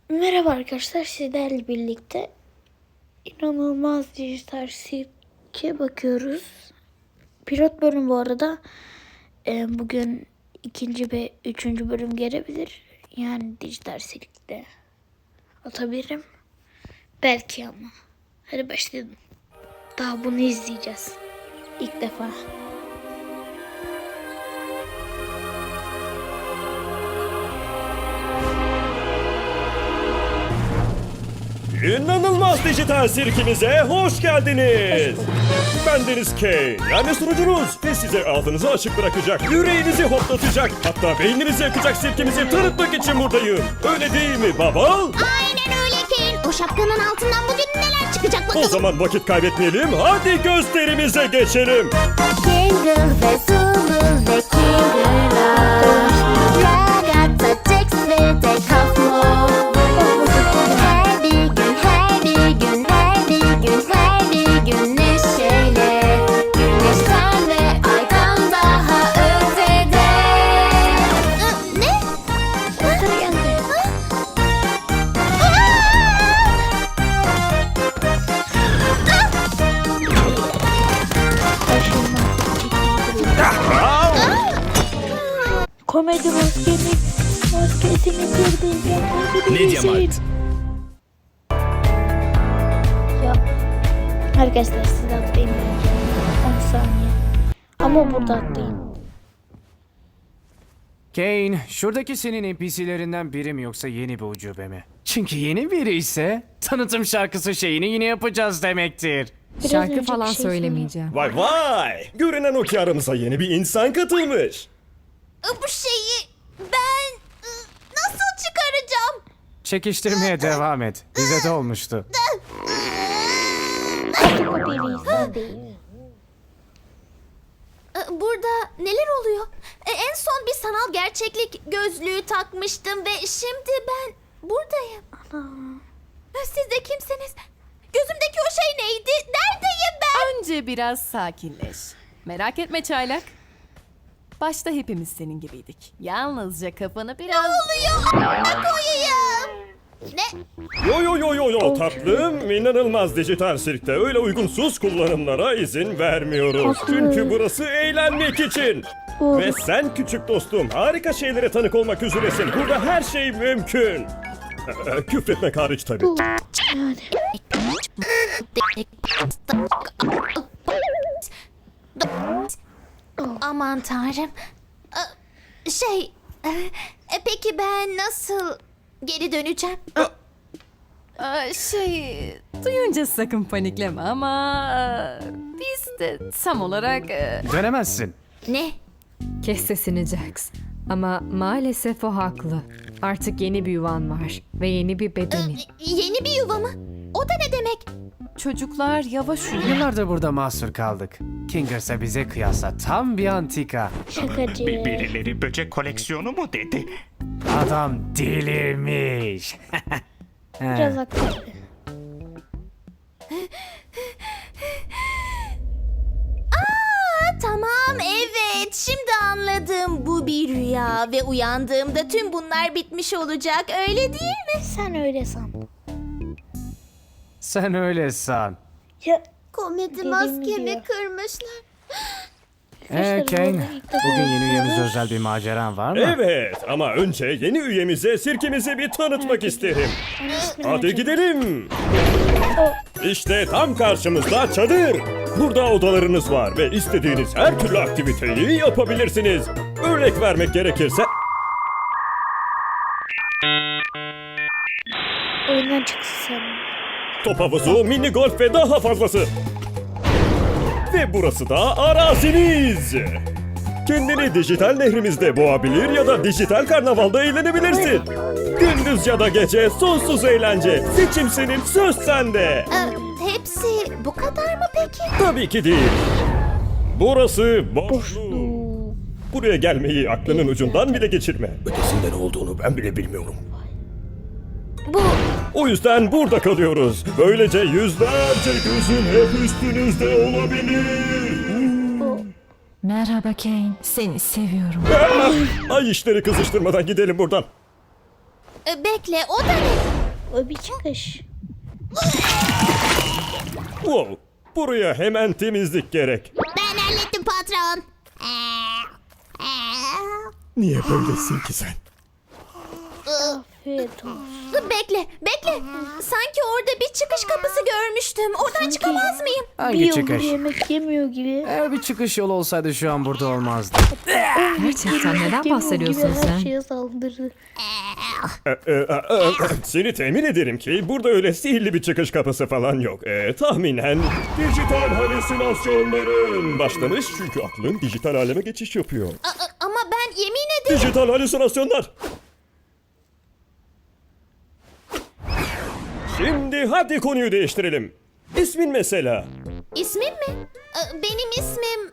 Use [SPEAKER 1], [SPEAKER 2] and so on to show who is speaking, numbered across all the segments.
[SPEAKER 1] Merhaba arkadaşlar, sizlerle birlikte inanılmaz dijital sirke bakıyoruz. Pilot bölüm bu arada. Bugün ikinci ve üçüncü bölüm gelebilir. Yani dijital sirkte atabilirim. Belki ama. Hadi başlayalım. Daha bunu izleyeceğiz. İlk defa.
[SPEAKER 2] İnanılmaz dijital sirkimize hoş geldiniz. Ben Deniz K. Yani sunucunuz ve size ağzınızı açık bırakacak, yüreğinizi hoplatacak, hatta beyninizi yakacak sirkimizi tanıtmak için buradayım. Öyle değil mi baba?
[SPEAKER 3] Aynen öyle Kane. O şapkanın altından bugün neler çıkacak
[SPEAKER 2] O
[SPEAKER 3] bakalım.
[SPEAKER 2] zaman vakit kaybetmeyelim, hadi gösterimize geçelim.
[SPEAKER 3] Jingle ve Zulu ve Kinger'lar. Ragazza, Jax ve de Kafmo. Her bir gün, her bir gün, her bir gün, her bir gün neşeyle. Güneşten ve aydan daha ötede. Ne?
[SPEAKER 1] Doktor geldi. Komedi maskesini kırdı.
[SPEAKER 2] Mediamarkt.
[SPEAKER 1] Ya arkadaşlar siz atlayın. 10 saniye. Ama burada atlayın.
[SPEAKER 4] Kane, şuradaki senin NPC'lerinden biri mi yoksa yeni bir ucube mi? Çünkü yeni biri ise tanıtım şarkısı şeyini yine yapacağız demektir.
[SPEAKER 1] Biraz
[SPEAKER 5] Şarkı
[SPEAKER 1] önce
[SPEAKER 5] falan
[SPEAKER 1] bir şey
[SPEAKER 5] söylemeyeceğim.
[SPEAKER 2] Vay vay! Görünen o ki aramıza yeni bir insan katılmış.
[SPEAKER 3] Bu şeyi ben nasıl çıkaracağım?
[SPEAKER 4] Çekiştirmeye devam et. Bize de olmuştu.
[SPEAKER 3] Burada neler oluyor? En son bir sanal gerçeklik gözlüğü takmıştım ve şimdi ben buradayım. Siz de kimsiniz? Gözümdeki o şey neydi? Neredeyim ben?
[SPEAKER 5] Önce biraz sakinleş. Merak etme çaylak. Başta hepimiz senin gibiydik. Yalnızca kafanı biraz...
[SPEAKER 3] Koyayım. Ne?
[SPEAKER 2] Yo tatlım, inanılmaz dijital sirkte öyle uygunsuz kullanımlara izin vermiyoruz.
[SPEAKER 1] Haklı.
[SPEAKER 2] Çünkü burası eğlenmek için.
[SPEAKER 1] Doğru.
[SPEAKER 2] Ve sen küçük dostum harika şeylere tanık olmak üzeresin. Burada her şey mümkün. Küfretmek hariç tabii.
[SPEAKER 1] Yani.
[SPEAKER 3] Aman tanrım. Peki ben nasıl geri döneceğim?
[SPEAKER 5] Duyunca sakın panikleme ama... biz de tam olarak...
[SPEAKER 4] Dönemezsin.
[SPEAKER 3] Ne?
[SPEAKER 6] Kes sesini Jax. Ama maalesef o haklı. Artık yeni bir yuvan var ve yeni bir bedenin.
[SPEAKER 3] Yeni bir yuva mı? O da ne demek?
[SPEAKER 5] Çocuklar yavaş uyuyun.
[SPEAKER 4] Yıllardır burada mahsur kaldık. Kingers'a bize kıyasla tam bir antika.
[SPEAKER 1] Şakacı.
[SPEAKER 7] Birileri böcek koleksiyonu mu dedi?
[SPEAKER 4] Adam delirmiş.
[SPEAKER 1] Biraz haklı.
[SPEAKER 3] Tamam, evet, şimdi anladım. Bu bir rüya ve uyandığımda tüm bunlar bitmiş olacak, öyle değil mi?
[SPEAKER 1] Sen öyle san.
[SPEAKER 4] Sen öyle san.
[SPEAKER 1] Ya
[SPEAKER 3] Komedi
[SPEAKER 1] Dediğim
[SPEAKER 3] maskemi
[SPEAKER 1] gibi.
[SPEAKER 3] kırmışlar.
[SPEAKER 4] Kane, bugün yeni üyemize özel bir maceran var mı?
[SPEAKER 2] Evet ama önce yeni üyemize sirkimizi bir tanıtmak isterim. Hadi gidelim. İşte tam karşımızda çadır. Burada odalarınız var ve istediğiniz her türlü aktiviteyi yapabilirsiniz. Örnek vermek gerekirse...
[SPEAKER 1] oyundan çıksın sen.
[SPEAKER 2] Top havuzu, mini golf ve daha fazlası. Ve burası da araziniz. Kendini dijital nehrimizde boğabilir ya da dijital karnavalda eğlenebilirsin. Gündüz ya da gece sonsuz eğlence. Seçim senin, söz sende.
[SPEAKER 3] Hepsi bu kadar mı peki?
[SPEAKER 2] Tabii ki değil. Burası boşluk. Buraya gelmeyi aklının ucundan bile geçirme. Ötesinde ne olduğunu ben bile bilmiyorum.
[SPEAKER 3] Bu
[SPEAKER 2] O yüzden burada kalıyoruz. Böylece yüzlerce gözün hep üstünüzde olabilir.
[SPEAKER 6] Merhaba Kane, seni seviyorum.
[SPEAKER 2] Ay işleri kızıştırmadan gidelim buradan.
[SPEAKER 3] bekle, o da ne?
[SPEAKER 1] O bir çıkış.
[SPEAKER 2] Wow, buraya hemen temizlik gerek.
[SPEAKER 3] Ben hallettim patron.
[SPEAKER 2] Niye böylesin ki sen?
[SPEAKER 1] Afiyet olsun.
[SPEAKER 3] Bekle. Sanki orada bir çıkış kapısı görmüştüm. Oradan çıkamaz mıyım?
[SPEAKER 4] Hangi
[SPEAKER 1] Bir yıldır
[SPEAKER 4] çıkış?
[SPEAKER 1] yemek yemiyor gibi.
[SPEAKER 4] Eğer bir çıkış yolu olsaydı şu an burada olmazdı.
[SPEAKER 6] Gerçekten neden
[SPEAKER 1] Yemiyor
[SPEAKER 6] bahsediyorsun
[SPEAKER 1] gibi
[SPEAKER 6] sen?
[SPEAKER 1] Her şeye saldırdı.
[SPEAKER 2] Seni temin ederim ki burada öyle sihirli bir çıkış kapısı falan yok. Tahminen dijital halüsinasyonların başlamış çünkü aklın dijital aleme geçiş yapıyor.
[SPEAKER 3] Ama ben yemin ederim.
[SPEAKER 2] Dijital halüsinasyonlar. Şimdi hadi konuyu değiştirelim. İsmin mesela.
[SPEAKER 3] İsmim mi? Benim ismim...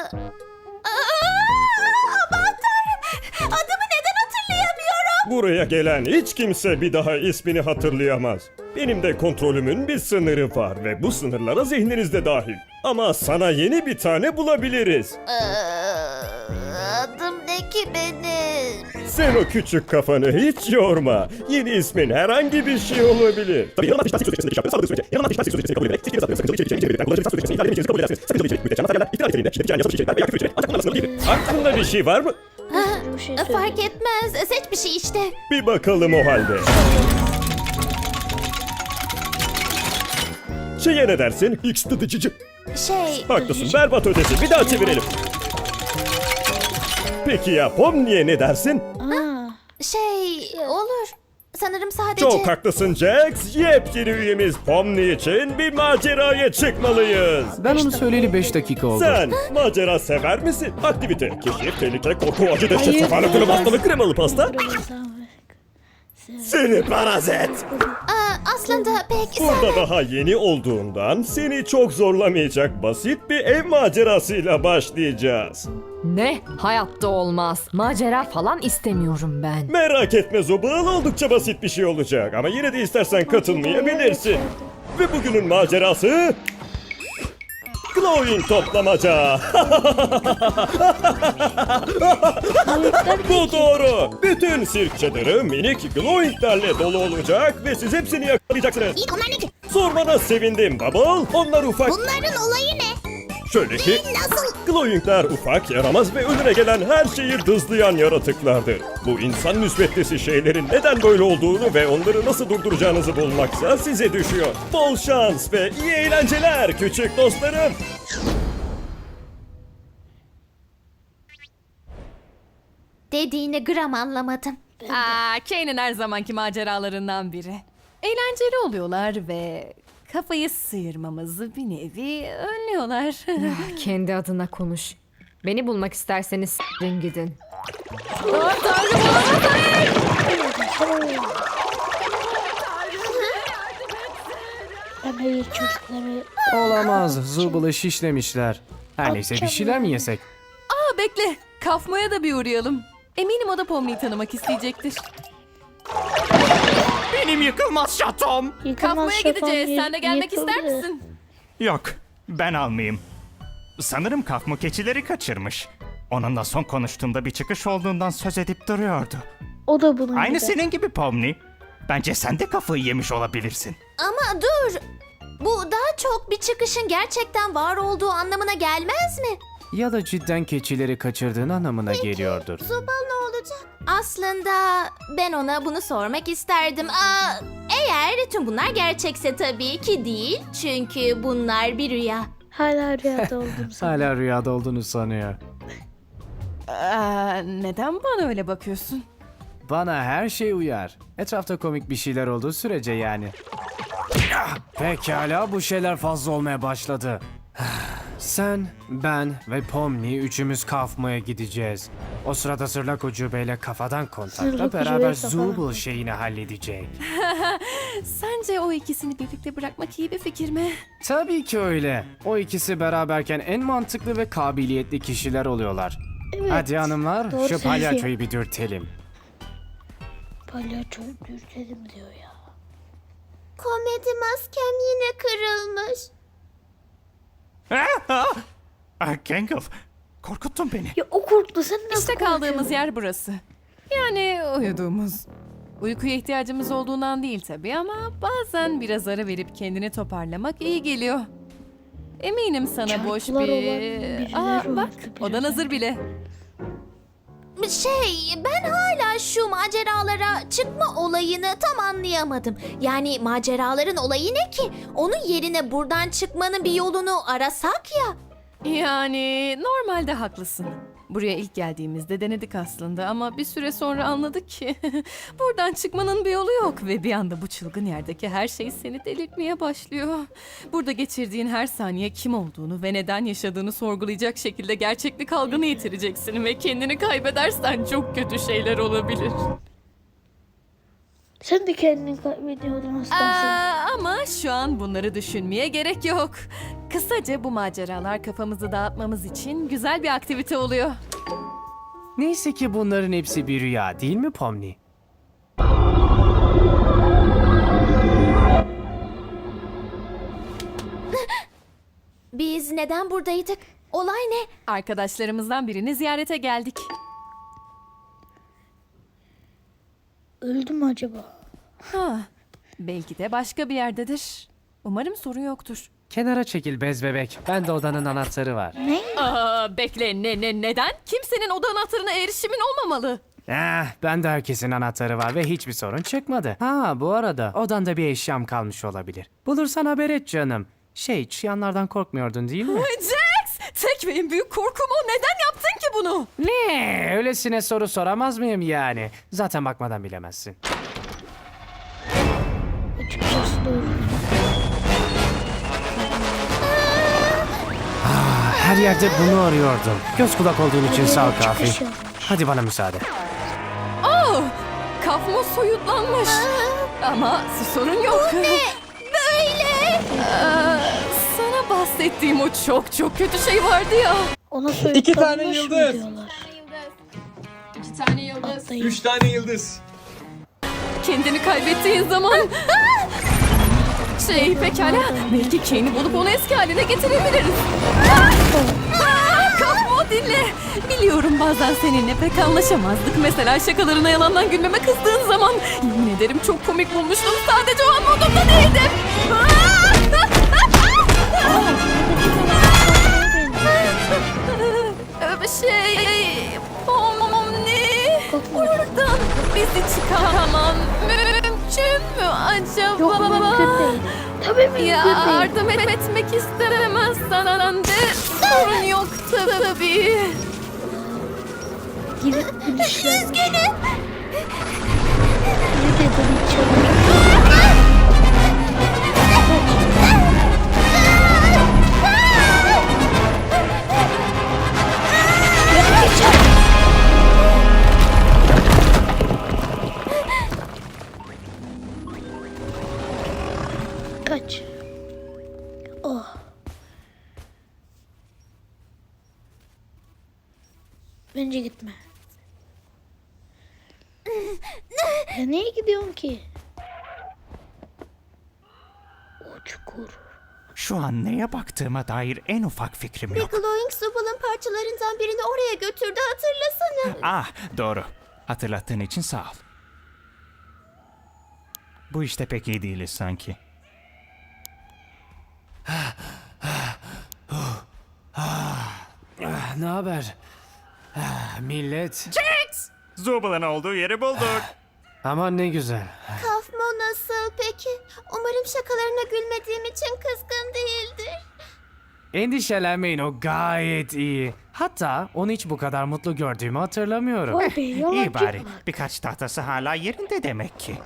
[SPEAKER 3] Aman tanrım. Adımı neden hatırlayamıyorum?
[SPEAKER 2] Buraya gelen hiç kimse bir daha ismini hatırlayamaz. Benim de kontrolümün bir sınırı var ve bu sınırlara zihniniz de dahil. Ama sana yeni bir tane bulabiliriz.
[SPEAKER 3] Adım ne ki benim?
[SPEAKER 2] Sen o küçük kafanı hiç yorma. Yeni ismin herhangi bir şey olabilir. Aklında bir şey var mı?
[SPEAKER 1] Bir şey söyle.
[SPEAKER 3] Fark etmez. Seç bir şey işte.
[SPEAKER 2] Bir bakalım o halde. Şeye ne dersin? X tıdıcıcı. Haklısın, berbat ötesi. Bir daha çevirelim. Peki ya Pomni'ye ne dersin?
[SPEAKER 3] Olur. Sanırım sadece...
[SPEAKER 2] Çok haklısın Jax. Yepyeni üyemiz Pomni için bir maceraya çıkmalıyız.
[SPEAKER 4] Ben onu söyleyeli 5 dakika oldu.
[SPEAKER 2] Sen macera sever misin? Aktivite, keşif, tehlike, korku, acı, dehşet,
[SPEAKER 1] Hayır,
[SPEAKER 2] sefalet, ölüm, hastalık, kremalı pasta. Seni parazit.
[SPEAKER 3] Aslında pek...
[SPEAKER 2] Burada daha yeni olduğundan seni çok zorlamayacak basit bir ev macerasıyla başlayacağız.
[SPEAKER 6] Ne? Hayatta olmaz. Macera falan istemiyorum ben.
[SPEAKER 2] Merak etme Zobal, oldukça basit bir şey olacak ama yine de istersen katılmayabilirsin. Ve bugünün macerası... Glowing toplamaca. Bu doğru. Bütün sirk çadırı minik glowinglerle dolu olacak ve siz hepsini yakalayacaksınız.
[SPEAKER 3] İyi, onlar ne ki?
[SPEAKER 2] Sormana sevindim Bubble. Onlar ufak...
[SPEAKER 3] Bunların olayı ne?
[SPEAKER 2] Şöyle ki...
[SPEAKER 3] Nasıl?
[SPEAKER 2] Glowingler ufak, yaramaz ve önüne gelen her şeyi dızlayan yaratıklardır. Bu insan müsbetlisi şeylerin neden böyle olduğunu ve onları nasıl durduracağınızı bulmaksa size düşüyor. Bol şans ve iyi eğlenceler küçük dostlarım.
[SPEAKER 3] Dediğini gram anlamadım.
[SPEAKER 5] Kane'in her zamanki maceralarından biri. Eğlenceli oluyorlar ve kafayı sıyırmamızı bir nevi önlüyorlar.
[SPEAKER 6] Kendi adına konuş. Beni bulmak isterseniz s**rin gidin.
[SPEAKER 1] Ben hayır çocukları...
[SPEAKER 4] Olamaz. Zubal'ı şişlemişler. Her neyse bir şeyler mi yesek?
[SPEAKER 5] Bekle. Kafmaya da bir uğrayalım. Eminim o da Pomni'yi tanımak isteyecektir.
[SPEAKER 7] Benim yıkılmaz şatom.
[SPEAKER 5] Kafmaya gideceğiz. Sen de gelmek ister misin?
[SPEAKER 7] Yok, ben almayayım. Sanırım kafmu keçileri kaçırmış. Onunla son konuştuğumda bir çıkış olduğundan söz edip duruyordu.
[SPEAKER 1] O da bunun
[SPEAKER 7] Aynı
[SPEAKER 1] gibi.
[SPEAKER 7] senin gibi Pomni. Bence sen de kafayı yemiş olabilirsin.
[SPEAKER 3] Ama dur. Bu daha çok bir çıkışın gerçekten var olduğu anlamına gelmez mi?
[SPEAKER 4] Ya da cidden keçileri kaçırdığın anlamına geliyordur.
[SPEAKER 3] Zobal ne olacak? Aslında ben ona bunu sormak isterdim. Eğer tüm bunlar gerçekse tabii ki değil. Çünkü bunlar bir rüya.
[SPEAKER 1] Hala rüyada oldum sana.
[SPEAKER 4] Hala rüyada olduğunu sanıyor.
[SPEAKER 5] Neden bana öyle bakıyorsun?
[SPEAKER 4] Bana her şey uyar. Etrafta komik bir şeyler olduğu sürece yani. Pekala, bu şeyler fazla olmaya başladı. Sen, ben ve Pomni üçümüz kafmaya gideceğiz. O sırada Zırlak Ucube'yle kafadan kontakla
[SPEAKER 1] Zırlak
[SPEAKER 4] beraber
[SPEAKER 1] Ucube'yle
[SPEAKER 4] Zubul
[SPEAKER 1] kafadan.
[SPEAKER 4] şeyini halledecek.
[SPEAKER 5] Sence o ikisini birlikte bırakmak iyi bir fikir mi?
[SPEAKER 4] Tabii ki öyle. O ikisi beraberken en mantıklı ve kabiliyetli kişiler oluyorlar.
[SPEAKER 1] Evet,
[SPEAKER 4] Hadi hanımlar,
[SPEAKER 1] doğru
[SPEAKER 4] şu
[SPEAKER 1] söylüyor.
[SPEAKER 4] palyaçoyu bir dürtelim.
[SPEAKER 1] Palyaço dürtelim diyor ya.
[SPEAKER 3] Komedi maskem yine kırılmış.
[SPEAKER 7] Gangle, korkuttun beni.
[SPEAKER 1] Ya o korktu, sen nasıl
[SPEAKER 5] İşte kaldığımız yer burası. Yani uyuduğumuz. Uykuya ihtiyacımız olduğundan değil tabii ama bazen biraz ara verip kendini toparlamak iyi geliyor. Eminim sana boş
[SPEAKER 1] Çarklar olan
[SPEAKER 5] bir...
[SPEAKER 1] birileri
[SPEAKER 5] Aa bak,
[SPEAKER 1] vardı
[SPEAKER 5] odan
[SPEAKER 1] biraz
[SPEAKER 5] hazır bile.
[SPEAKER 3] Ben hala şu maceralara çıkma olayını tam anlayamadım. Yani maceraların olayı ne ki? Onun yerine buradan çıkmanın bir yolunu arasak ya.
[SPEAKER 5] Yani normalde haklısın. Buraya ilk geldiğimizde denedik aslında ama bir süre sonra anladık ki buradan çıkmanın bir yolu yok ve bir anda bu çılgın yerdeki her şey seni delirtmeye başlıyor. Burada geçirdiğin her saniye kim olduğunu ve neden yaşadığını sorgulayacak şekilde gerçeklik algını yitireceksin ve kendini kaybedersen çok kötü şeyler olabilir.
[SPEAKER 1] Sen de kendini kaybediyordun aslında.
[SPEAKER 5] Ama şu an bunları düşünmeye gerek yok. Kısaca bu maceralar kafamızı dağıtmamız için güzel bir aktivite oluyor.
[SPEAKER 4] Neyse ki bunların hepsi bir rüya değil mi Pomni?
[SPEAKER 3] Biz neden buradaydık? Olay ne?
[SPEAKER 5] Arkadaşlarımızdan birini ziyarete geldik.
[SPEAKER 1] Öldü mü acaba?
[SPEAKER 5] Ha, belki de başka bir yerdedir. Umarım sorun yoktur.
[SPEAKER 4] Kenara çekil bez bebek. Ben de odanın anahtarı var.
[SPEAKER 5] Aa, bekle neden? Kimsenin oda anahtarına erişimin olmamalı.
[SPEAKER 4] Bende herkesin anahtarı var ve hiçbir sorun çıkmadı. Ha bu arada odanda bir eşyam kalmış olabilir. Bulursan haber et canım. Çıyanlardan korkmuyordun değil mi?
[SPEAKER 5] Jax! Tek ve en büyük korkum o. Neden yaptın ki bunu?
[SPEAKER 4] Ne? Öylesine soru soramaz mıyım yani? Zaten bakmadan bilemezsin.
[SPEAKER 1] Açıkçası doğru.
[SPEAKER 4] Her yerde bunu arıyordum. Göz kulak olduğun için sağ ol Kafi.
[SPEAKER 1] Çıkış yapmış.
[SPEAKER 4] Hadi bana müsaade.
[SPEAKER 5] Oh! Kafma soyutlanmış. Ama sorun yok. Bu ne?
[SPEAKER 3] Böyle.
[SPEAKER 5] Sana bahsettiğim o çok kötü şey vardı ya.
[SPEAKER 1] Ona soyutlanmış
[SPEAKER 8] 2 tane
[SPEAKER 1] mı
[SPEAKER 8] yıldız.
[SPEAKER 1] diyorlar?
[SPEAKER 9] 2 tane yıldız.
[SPEAKER 1] Atlayın.
[SPEAKER 8] 3 tane yıldız.
[SPEAKER 5] Kendini kaybettiğin zaman... Pekala. Belki Kane'i bulup onu eski haline getirebiliriz. Kafmo dinle. Biliyorum bazen seninle pek anlaşamazdık. Mesela şakalarına yalandan gülmeme kızdığın zaman. Yemin ederim çok komik bulmuştum. Sadece o an modumda değildim. Pomni. Buradan bizi çıkaramam mümkün mü acaba?
[SPEAKER 1] Yok mümkün değil. Tabii mümkün değil.
[SPEAKER 5] Yardım etmek istemezsen de sorun yok tabii.
[SPEAKER 1] Gidip gülüşler.
[SPEAKER 3] Üzgünüm.
[SPEAKER 1] Ne dedim içeri? Kaç. Oh. Bence gitme. Ya niye gidiyorsun ki? O çukur.
[SPEAKER 7] Şu an neye baktığıma dair en ufak fikrim yok.
[SPEAKER 3] Glowing Zubal'ın parçalarından birini oraya götürdü, hatırlasana.
[SPEAKER 7] Ah, doğru. Hatırlattığın için sağ ol. Bu işte pek iyi değiliz sanki.
[SPEAKER 4] Ne haber? Millet.
[SPEAKER 7] Zubal'ın olduğu yeri bulduk.
[SPEAKER 4] Aman ne güzel.
[SPEAKER 3] Kafmo nasıl peki? Umarım şakalarına gülmediğim için kızgın değildir.
[SPEAKER 4] Endişelenmeyin, o gayet iyi. Hatta onu hiç bu kadar mutlu gördüğümü hatırlamıyorum.
[SPEAKER 1] Vay be, yalancı
[SPEAKER 7] İyi bari.
[SPEAKER 1] bak.
[SPEAKER 7] Birkaç tahtası hala yerinde demek ki.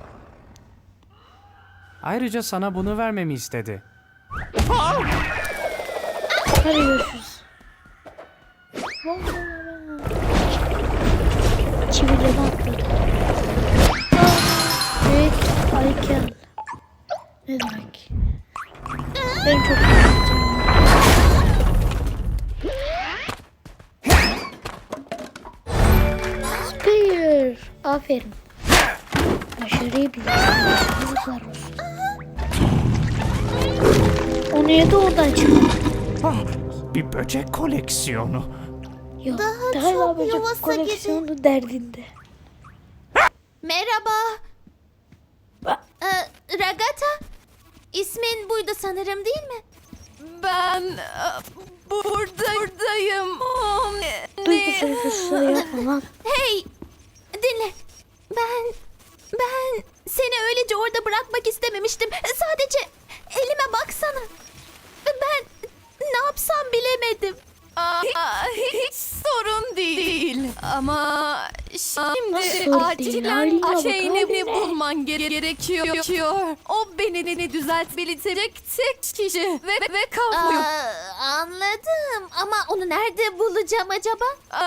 [SPEAKER 4] Ayrıca sana bunu vermemi istedi.
[SPEAKER 1] Hadi görüşürüz. Çivileme atladı. Evet, Aykel. Ne demek? Ben çok üzüldüm. Spear. Aferin. Başarıyı biliyorsun. Yazıklar olsun. O niye de oradan çıktı?
[SPEAKER 7] Ah, bir böcek koleksiyonu.
[SPEAKER 1] Yok.
[SPEAKER 3] Daha
[SPEAKER 1] Daha
[SPEAKER 3] çok
[SPEAKER 1] böcek
[SPEAKER 3] yuvası
[SPEAKER 1] koleksiyonu derdinde.
[SPEAKER 3] Merhaba. Ragata, ismin buydu sanırım değil mi?
[SPEAKER 5] Ben buradayım.
[SPEAKER 1] Duygusuz yapma lan.
[SPEAKER 3] Hey, dinle. Ben seni öylece orada bırakmak istememiştim. Sadece elime baksana. Ben ne yapsam bilemedim.
[SPEAKER 5] Hiç sorun değil. Ama şimdi
[SPEAKER 1] Nasıl değil?
[SPEAKER 5] acilen
[SPEAKER 1] Haline bak,
[SPEAKER 5] şeyini
[SPEAKER 1] haline.
[SPEAKER 5] bulman gerekiyor. O beni düzeltebilecek tek kişi ve kalmıyor.
[SPEAKER 3] Anladım ama onu nerede bulacağım acaba?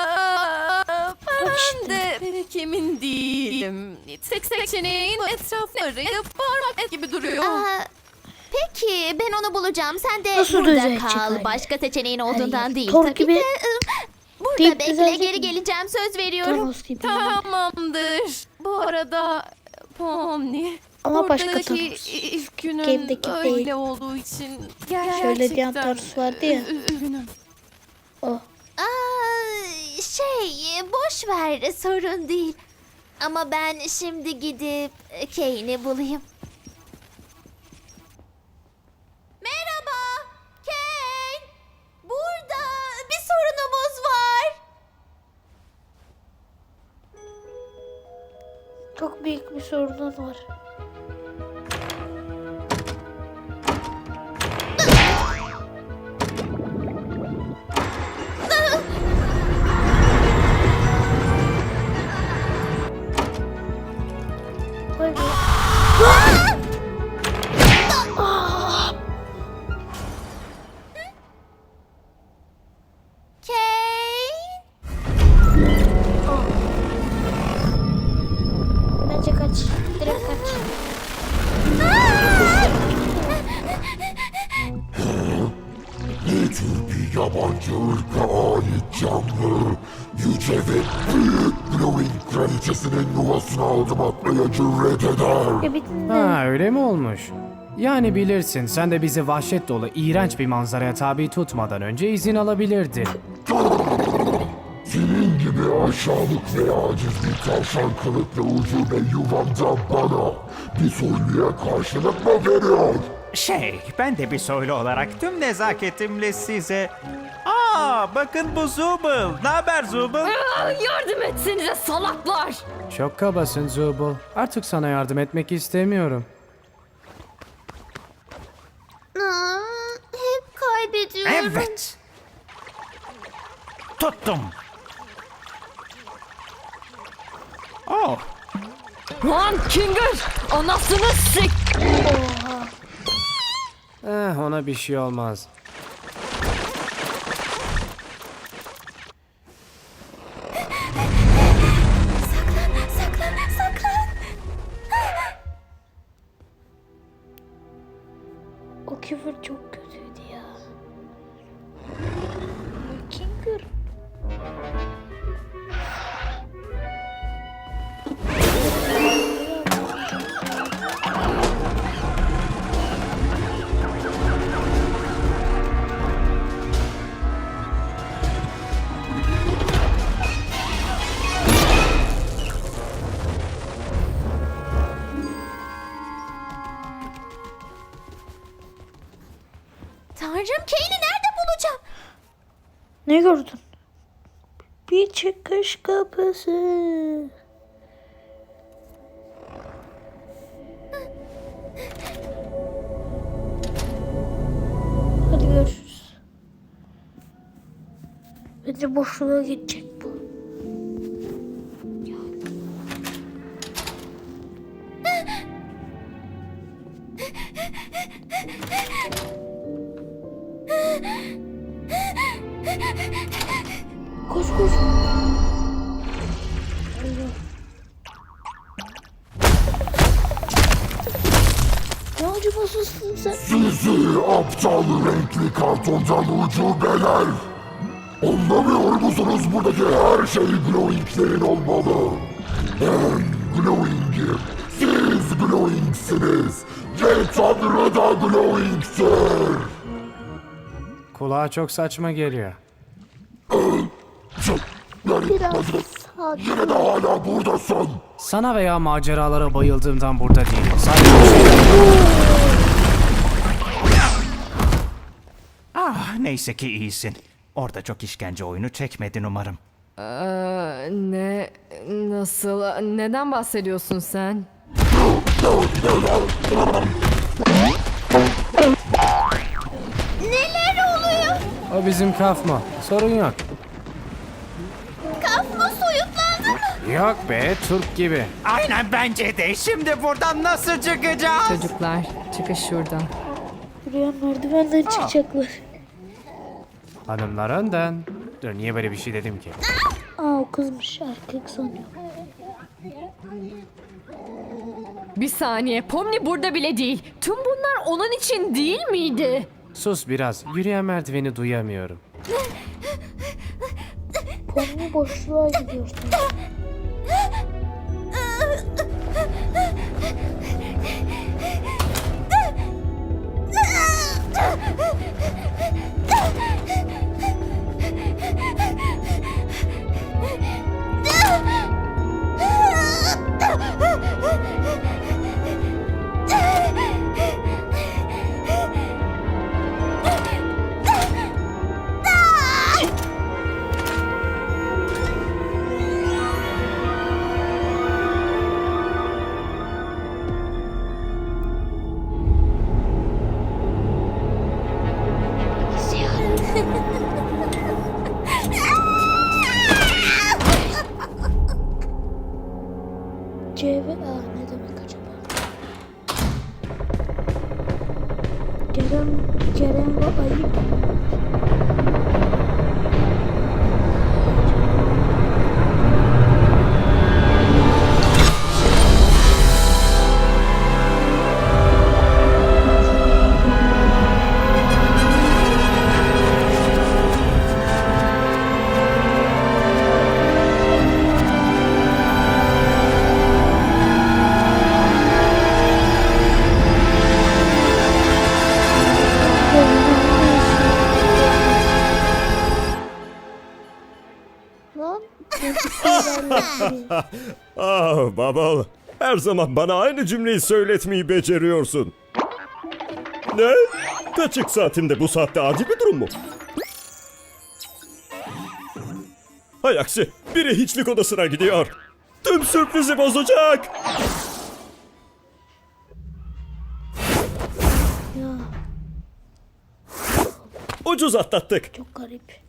[SPEAKER 5] Ben de pek emin değilim. Tek seçeneğin etrafları parmak gibi duruyor.
[SPEAKER 3] Peki ben onu bulacağım. Sen de
[SPEAKER 1] Nasıl
[SPEAKER 3] burada
[SPEAKER 1] düzelecek
[SPEAKER 3] kal.
[SPEAKER 1] hali?
[SPEAKER 3] Başka seçeneğin olduğundan
[SPEAKER 1] Hayır,
[SPEAKER 3] değil.
[SPEAKER 1] Thor
[SPEAKER 3] Tabii
[SPEAKER 1] gibi
[SPEAKER 3] de burada
[SPEAKER 1] deyip
[SPEAKER 3] bekle,
[SPEAKER 1] düzelecek
[SPEAKER 3] geri
[SPEAKER 1] mi?
[SPEAKER 3] geleceğim, söz veriyorum.
[SPEAKER 1] Thanos gibi.
[SPEAKER 5] Tamamdır. Bu arada Pomni,
[SPEAKER 1] Ama başka
[SPEAKER 5] buradaki
[SPEAKER 1] Thanos.
[SPEAKER 5] ilk günün
[SPEAKER 1] Game'deki
[SPEAKER 5] öyle
[SPEAKER 1] değil.
[SPEAKER 5] olduğu için
[SPEAKER 1] Şöyle diyen
[SPEAKER 5] gerçekten
[SPEAKER 1] Thanos vardı ya.
[SPEAKER 5] üzgünüm.
[SPEAKER 1] O.
[SPEAKER 3] Boş ver, sorun değil. Ama ben şimdi gidip Kane'i bulayım. Merhaba, Kane. Burada bir sorunumuz var.
[SPEAKER 1] Çok büyük bir sorunun var. Hadi.
[SPEAKER 3] Kane.
[SPEAKER 1] Bence kaç. Direkt kaç.
[SPEAKER 8] Ne tür bir yabancı ırka ait canlı, yüce ve büyük Glowing kraliçesinin yuvasına adım atmaya cüret eder.
[SPEAKER 1] Ya bir dinle.
[SPEAKER 4] Ha öyle mi olmuş? Yani bilirsin sen de bizi vahşet dolu iğrenç bir manzaraya tabi tutmadan önce izin alabilirdin.
[SPEAKER 8] Senin gibi aşağılık ve aciz bir tavşan kılıklı ucube yuvamda bana bir soyluya karşılık mı veriyor?
[SPEAKER 7] Ben de bir soylu olarak tüm nezaketimle size... bakın bu Zubul. Ne haber Zubul?
[SPEAKER 6] Yardım etsenize salaklar.
[SPEAKER 4] Çok kabasın Zubul. Artık sana yardım etmek istemiyorum.
[SPEAKER 3] Hep kaybediyorum.
[SPEAKER 7] Evet. Tuttum. Oh,
[SPEAKER 6] Lan Kinger! Anasını sik!
[SPEAKER 4] Ona bir şey olmaz.
[SPEAKER 3] Saklan.
[SPEAKER 1] O küfür çok kötüydü ya. Kinger.
[SPEAKER 3] Tanrım, Kane'i nerede bulacağım?
[SPEAKER 1] Ne gördün? Bir çıkış kapısı. Hadi görüşürüz. Bence boşluğa gidecek bu. Koş koş. Ne acımasızsın sen?
[SPEAKER 8] Sizi aptal renkli kartondan ucubeler! Anlamıyor musunuz buradaki her şey Glowing'lerin olmalı? Ben Glowing'im. Siz Glowing'siniz. Ve Tanrı da Glowing'tir.
[SPEAKER 4] Kulağa çok saçma geliyor.
[SPEAKER 8] Yani,
[SPEAKER 1] Biraz.
[SPEAKER 8] Yine de hala buradasın.
[SPEAKER 4] Sana veya maceralara bayıldığımdan burada değilim. Sadece bir şey...
[SPEAKER 7] Neyse ki iyisin. Orada çok işkence oyunu çekmedin umarım.
[SPEAKER 6] Ne? Nasıl? Neden bahsediyorsun sen?
[SPEAKER 3] Neler oluyor?
[SPEAKER 4] O bizim kafma. Sorun yok.
[SPEAKER 3] Kafma soyutlandı mı?
[SPEAKER 4] Yok be, Türk gibi.
[SPEAKER 7] Aynen bence de. Şimdi buradan nasıl çıkacağız?
[SPEAKER 6] Çocuklar, çıkış şuradan.
[SPEAKER 1] Buraya merdivenden çıkacaklar.
[SPEAKER 4] Hanımlar önden. Dur, niye böyle bir şey dedim ki?
[SPEAKER 1] Aa o kızmış, erkek sanıyor.
[SPEAKER 6] Bir saniye, Pomni burada bile değil. Tüm bunlar onun için değil miydi?
[SPEAKER 4] Sus biraz. Yürüyen merdiveni duyamıyorum.
[SPEAKER 1] Pomni boşluğa gidiyor. C ve A ne demek acaba? Kerem ve Ayıp. Lan.
[SPEAKER 2] Ah Bubble, her zaman bana aynı cümleyi söyletmeyi beceriyorsun. Ne? Kaçık saatimde bu saatte adi bir durum mu? Hay aksi, biri hiçlik odasına gidiyor. Tüm sürprizi bozacak.
[SPEAKER 1] Ya
[SPEAKER 2] Ucuz atlattık.
[SPEAKER 1] çok garip.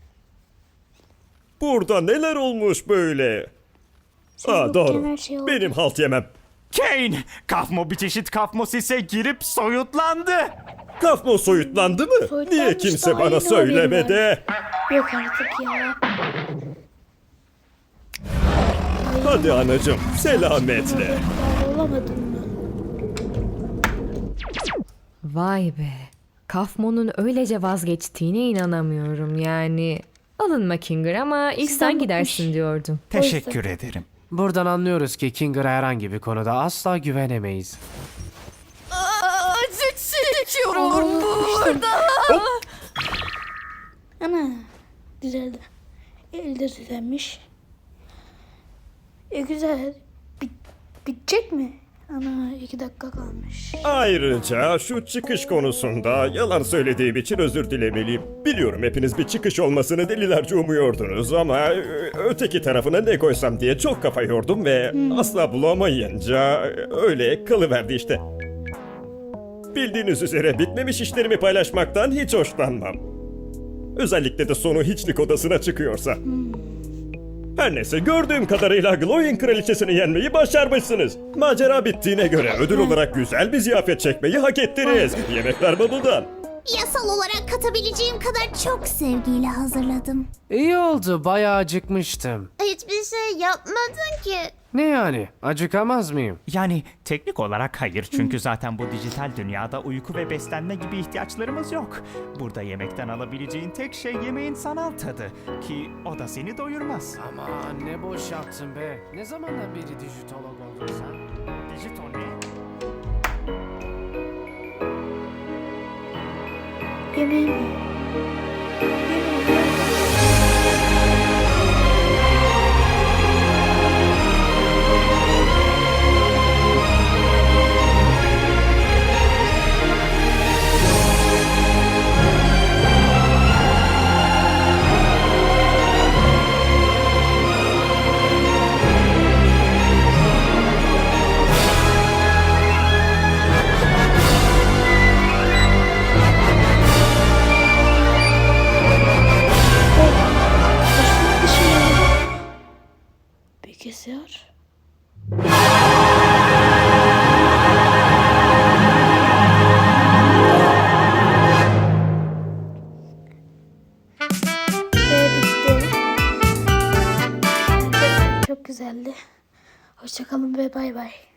[SPEAKER 2] Burada neler olmuş böyle? Aa doğru.
[SPEAKER 1] Her şey oldu.
[SPEAKER 2] Benim halt yemem.
[SPEAKER 7] Kane! Kafmo bir çeşit kafmosise girip soyutlandı.
[SPEAKER 2] Kafmo soyutlandı mı?
[SPEAKER 1] Soyutlanmış
[SPEAKER 2] Niye kimse
[SPEAKER 1] da
[SPEAKER 2] bana
[SPEAKER 1] aynı
[SPEAKER 2] söylemedi?
[SPEAKER 1] Yok artık ya.
[SPEAKER 2] Hadi anacığım, selametle.
[SPEAKER 1] Ben olamadın mı?
[SPEAKER 6] Vay be. Kafmon'un öylece vazgeçtiğine inanamıyorum yani. Alınma Kinger ama ilk
[SPEAKER 1] Sizden
[SPEAKER 6] sen
[SPEAKER 1] bıkmış.
[SPEAKER 6] gidersin diyordum.
[SPEAKER 7] Teşekkür ederim.
[SPEAKER 4] Buradan anlıyoruz ki Kinger'a herhangi bir konuda asla güvenemeyiz.
[SPEAKER 5] Acı çekiyorum burada.
[SPEAKER 1] Ana düzeldi. Elde düzelmiş. Güzel. Bitecek mi? Ana 2 dakika kalmış.
[SPEAKER 2] Ayrıca şu çıkış konusunda yalan söylediğim için özür dilemeliyim. Biliyorum hepiniz bir çıkış olmasını delilerce umuyordunuz ama öteki tarafına ne koysam diye çok kafa yordum ve asla bulamayınca öyle kalıverdi işte. Bildiğiniz üzere bitmemiş işlerimi paylaşmaktan hiç hoşlanmam. Özellikle de sonu hiçlik odasına çıkıyorsa. Her neyse gördüğüm kadarıyla Glowing kraliçesini yenmeyi başarmışsınız. Macera bittiğine göre ödül olarak güzel bir ziyafet çekmeyi hak ettiniz. Yemekler Bubble'dan.
[SPEAKER 3] Yasal olarak katabileceğim kadar çok sevgiyle hazırladım.
[SPEAKER 4] İyi oldu, bayağı acıkmıştım.
[SPEAKER 3] Hiçbir şey yapmadın ki.
[SPEAKER 4] Ne yani? Acıkamaz mıyım?
[SPEAKER 7] Yani teknik olarak hayır çünkü zaten bu dijital dünyada uyku ve beslenme gibi ihtiyaçlarımız yok. Burada yemekten alabileceğin tek şey yemeğin sanal tadı ki o da seni doyurmaz.
[SPEAKER 4] Aman ne boş yaptın be. Ne zamandan beri dijitolog oldun sen?
[SPEAKER 7] Dijital ne?
[SPEAKER 1] Yemeğim mi? geldi. Hoşçakalın ve bay bay.